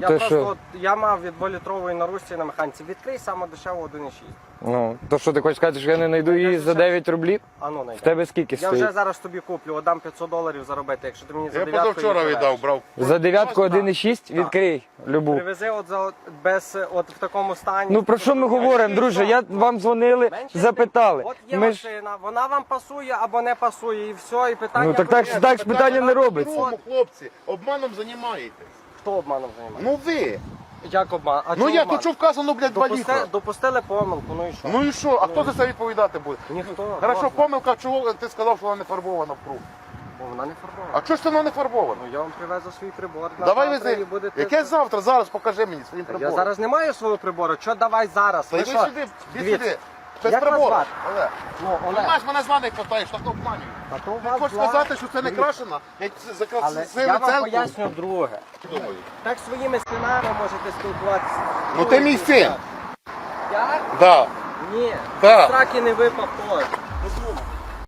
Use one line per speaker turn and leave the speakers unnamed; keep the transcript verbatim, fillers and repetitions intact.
Я
То
просто
що?
от, я мав від дволітрової на русі на механіці. Відкрий саме дешеву один і шість.
Ну, то що ти хочеш сказати, що я не знайду її за дев'ять рублів?
А ну
В
найди.
тебе скільки
Я
стоїть?
вже зараз тобі куплю, отдам п'ятсот доларів заробити, якщо ти мені за
Я
дев'ятку
позавчора
її
віддав,
привезеш.
брав.
За дев'ятку один і шість? Відкрий любу.
Привези от, за, от, без, от в такому стані.
Ну про що ми говоримо, друже? Я вам дзвонили,
Менше
запитали.
От є
Ми ж...
машина, вона вам пасує або не пасує, і все, і питання...
Ну так так,
вирішено.
так ж питання не робиться.
Тому, хлопці, обманом займаєтесь.
Хто обманом займає?
Ну ви.
Як обман? А
Ну
чого
як,
обман?
тут що вказано, блядь, два
Допусти,
літра.
допустили помилку, ну і що?
Ну і що? А хто за це відповідати буде?
Ніхто.
Хорошо,
Можна.
помилка, чого ти сказав, що вона не фарбована в круг?
Бо вона не фарбована.
А чого ж це вона не фарбована?
Ну я вам привезу свій прибор. на
Давай
завтра
вези.
і будете-
Яке завтра? Зараз покажи мені своїм
Я
прибором.
зараз не маю свого прибору, що давай зараз?
Та
Ви
йди
що?
сюди, йди
Дивіться.
сюди. Без
Як вас
прибору.
звати?
Олег.
Ну,
Ти
Олег,
знаєш, мене званий питаєш, так обманюю.
а то у
Ти
вас
хочеш
два-
сказати, що це не
Дивіться.
крашена? Я це за
Але
красиве
я вам
церкву.
поясню друге.
Думаю.
Так своїми синами можете спілкуватися.
Ну ти мій син.
Я?
Да.
Ні.
Так.
З раки не випав теж. Подумай.